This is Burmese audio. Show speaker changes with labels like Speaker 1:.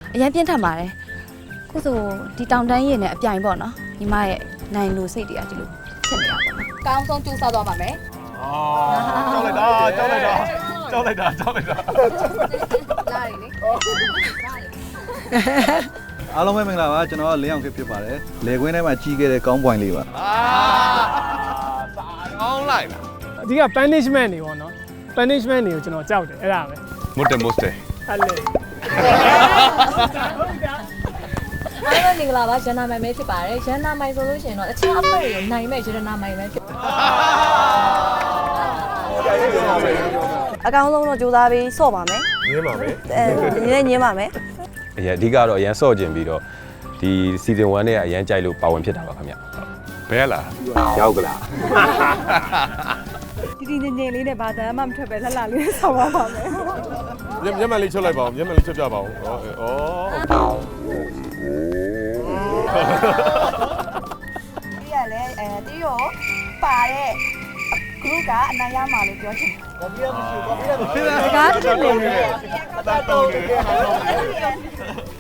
Speaker 1: အရင်ပြင်းထန်ပါတယ်ခုဆိုဒီတောင်တန်းရင်နဲ့အပြိုင်ပေါ့နော်ညီမရဲ့နိုင်လို့စိတ်တွေကဒီလိုဖြစ်နေတာပေါ့နော်ကောင်းဆုံးကြိုးစားသွားပါမယ်
Speaker 2: ကြောက်လိုက်တာကြောက်လိုက်တာကြောက်လိုက်တာကြောက်လိုက်တာ
Speaker 1: လာရီလေ
Speaker 3: အားလုံးပဲမင်္ဂလာပါကျွန်တော်လင်းအောင်ခေဖြစ်ပါတယ်လေကွင်းထဲမှာကြီးခဲ့တဲ့ကောင်းပွိုင်လေးပါ
Speaker 2: စာကောင်းလိုက်လား
Speaker 4: အဓိက punishment တွေပေါ့နော် punishment တွေကိုကျွန်တော်ကြောက်တယ်အဲ့ဒါပဲ
Speaker 2: မုတ်တယ်မို့တယ်
Speaker 4: အဲ့လေ
Speaker 5: အားလုံးမင်္ဂလာပါရန်နာမိုင်ပဲဖြစ်ပါတယ်ရန်နာမိုင်ဆိုလို့ရှိရင်တော့အခြားအဖွဲ့တွေနိုင်မဲ့ရန်နာမိုင်ပဲဖြစ်
Speaker 1: အကောင်းဆုံးတော့ကြိုးစားပြီးဆော့ပါမယ်
Speaker 2: ညင်းပါမယ်
Speaker 1: ညင်းပါမယ်
Speaker 6: အရင်အဓိကတော့အရင်ဆော့ကျင်ပြီးတော့ဒီ season 1နဲ့အရင်ကြိုက်လို့ပါဝင်ဖြစ်တာပါခင်ဗျ
Speaker 2: ဘယ်လား
Speaker 6: ရောက်ကလား
Speaker 1: တီတီငင်ငင်လေးနဲ့ဘာသာမှမထွက်ပဲလှလှလေးဆော့ပါပါမယ်
Speaker 2: မျက်မှန်လေးချုပ်လိုက်ပါဦးမျက်မှန်လေးချုပ်ပြပါဦးဩ
Speaker 1: ဒီကလည်းတီရောပါတဲ့ group ကအနိုင်ရမှာလို့ပြောချင်တယ်။ဘာဖြစ်လဲမရှိဘူး။ဘာဖြစ်လဲမရှိဘူး။ဒါကတည်းကလည်း